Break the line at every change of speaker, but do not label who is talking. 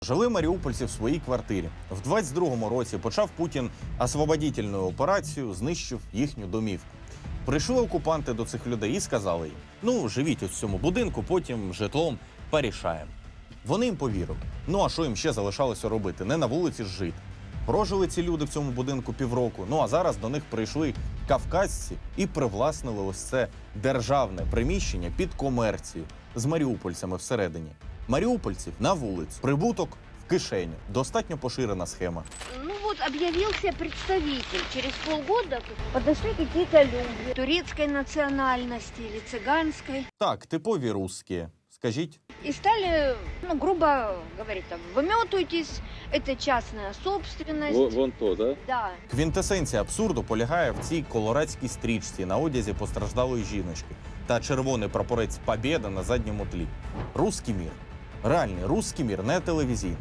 Жили маріупольці в своїй квартирі. В 22-му році почав Путін освободительну операцію, знищив їхню домівку. Прийшли окупанти до цих людей і сказали їм: ну, живіть у цьому будинку, потім житлом порішаємо. Вони їм повірили. Ну, а що їм ще залишалося робити? Не на вулиці ж жити. Прожили ці люди в цьому будинку півроку, ну а зараз до них прийшли кавказці і привласнили ось це державне приміщення під комерцію з маріупольцями всередині. Маріупольців на вулицю, прибуток в кишеню. Достатньо поширена схема.
Ну вот объявился представитель. Через полгода подошли какие-то люди турецкой национальности или цыганской.
Так, типові русські. Скажіть?
И стали, ну, грубо говоря, там, выметуйтесь, это частная собственность.
Вон то, да?
Да.
Квінтесенція абсурду полягає в цій колорадській стрічці на одязі постраждалої жіночки та червоний прапорець «Побєда» на задньому тлі. Руський мір. Реальний руський мір, не телевізійний.